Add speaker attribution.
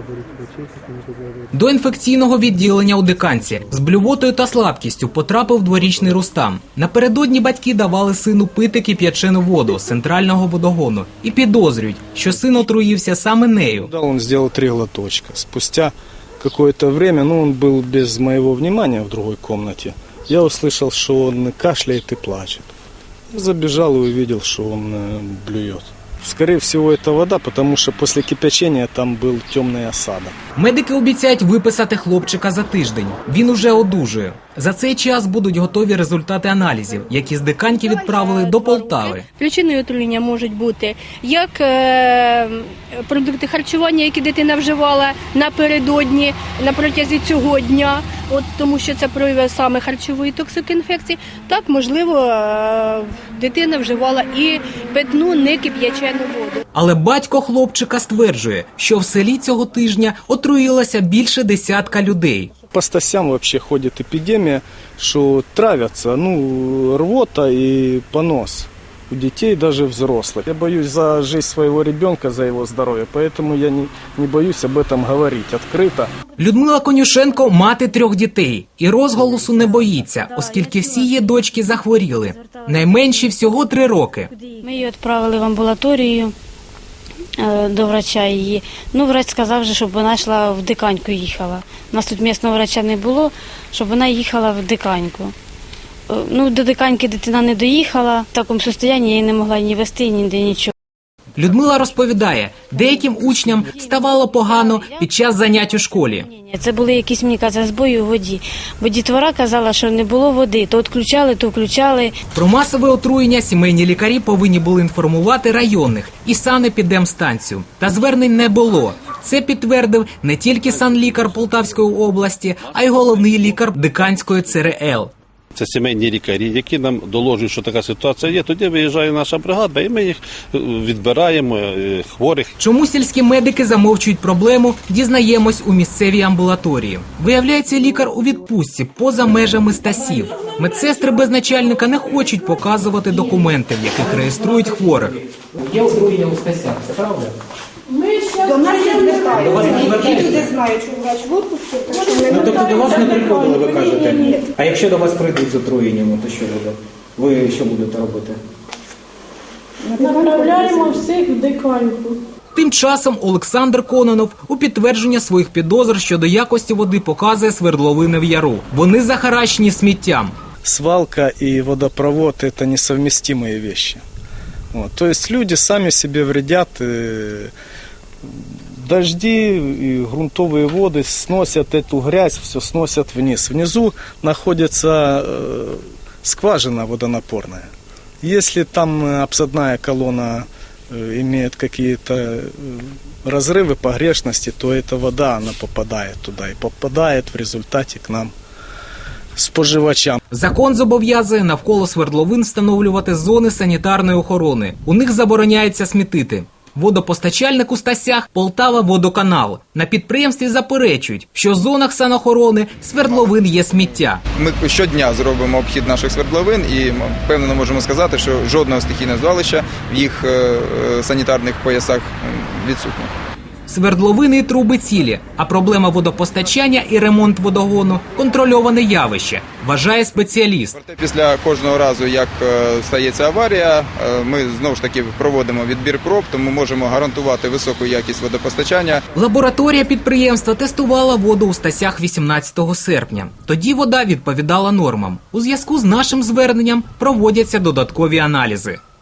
Speaker 1: До інфекційного відділення у Диканці з блювотою та слабкістю потрапив дворічний Рустам. Напередодні батьки давали сину пити кип'ячену воду з центрального водогону і підозрюють, що син отруївся саме нею.
Speaker 2: Он сделал 3 глоточка. Спустя какое-то время, он был без моего внимания в другой комнате, я услышал, что он кашляет и плачет. Забежал и увидел, что он блюет. Скорее всего, это вода, потому что после кипячения там был темный осадок.
Speaker 1: Медики обіцяють виписати хлопчика за тиждень. Він уже одужує. За цей час будуть готові результати аналізів, які з Диканьки відправили до Полтави.
Speaker 3: Причиною отруєння можуть бути як продукти харчування, які дитина вживала напередодні, на протязі цього дня, тому що це прояви саме харчової токсикоінфекції, так, можливо, дитина вживала і питну некип'ячену воду.
Speaker 1: Але батько хлопчика стверджує, що в селі цього тижня отруїлося більше 10 людей.
Speaker 2: По Стасям вообще ходит эпидемия, что травятся, рвота и понос у детей, даже взрослых. Я боюсь за жизнь своего ребенка, за его здоровье, поэтому я не боюсь об этом говорить открыто.
Speaker 1: Людмила Конюшенко – мати 3 дітей. І розголосу не боїться, оскільки всі її дочки захворіли. Найменші всього 3 роки.
Speaker 4: Ми її відправили в амбулаторію до врача її. Врач сказав, щоб вона йшла в Диканьку їхала. У нас тут місцевого врача не було, щоб вона їхала в Диканьку. До Диканьки дитина не доїхала, в такому стані я її не могла ні вести, ніде нічого.
Speaker 1: Людмила розповідає, деяким учням ставало погано під час занять у школі.
Speaker 4: Це були якісь, мені кажуть, збої у воді. Бо дітвора казала, що не було води, то відключали, то включали.
Speaker 1: Про масове отруєння сімейні лікарі повинні були інформувати районних і санепідемстанцію. Та звернень не було. Це підтвердив не тільки санлікар Полтавської області, а й головний лікар Диканської ЦРЛ.
Speaker 5: Це сімейні лікарі, які нам доложують, що така ситуація є. Тоді виїжджає наша бригада, і ми їх відбираємо, хворих.
Speaker 1: Чому сільські медики замовчують проблему, дізнаємось у місцевій амбулаторії. Виявляється, лікар у відпустці поза межами Стасів. Медсестри без начальника не хочуть показувати документи, в яких реєструють хворих. Є отруєння у Стасях, це правда?
Speaker 6: До нас не звертають. Я люди знаю, що врач в отпуску.
Speaker 1: Тобто до вас не приходили, ви кажете? Ні. А якщо до вас прийдуть з отруєнням, то що буде? Ви що будете робити?
Speaker 6: Направляємо всіх в Диканьку.
Speaker 1: Тим часом Олександр Кононов у підтвердження своїх підозр щодо якості води показує свердловини в яру. Вони захаращені сміттям.
Speaker 2: Свалка и водопровод – это несовместимые вещи. То есть люди сами себе вредят. Дожди и грунтовые воды сносят эту грязь, все сносят вниз. Внизу находится скважина водонапорная. Если там обсадная колонна имеет какие-то разрывы, погрешности, то эта вода, она попадает туда и попадает в результате к нам, споживачам.
Speaker 1: Закон зобов'язує навколо свердловин встановлювати зони санітарної охорони. У них забороняється смітити. Водопостачальник у Стасях – Полтава-Водоканал. На підприємстві заперечують, що в зонах санохорони свердловин є сміття.
Speaker 7: Ми щодня зробимо обхід наших свердловин і впевнено можемо сказати, що жодного стихійного звалища в їх санітарних поясах відсутнє.
Speaker 1: Свердловини і труби цілі, а проблема водопостачання і ремонт водогону – контрольоване явище, вважає спеціаліст.
Speaker 7: Після кожного разу, як стається аварія, ми знову ж таки проводимо відбір проб, тому можемо гарантувати високу якість водопостачання.
Speaker 1: Лабораторія підприємства тестувала воду у Стасях 18 серпня. Тоді вода відповідала нормам. У зв'язку з нашим зверненням проводяться додаткові аналізи.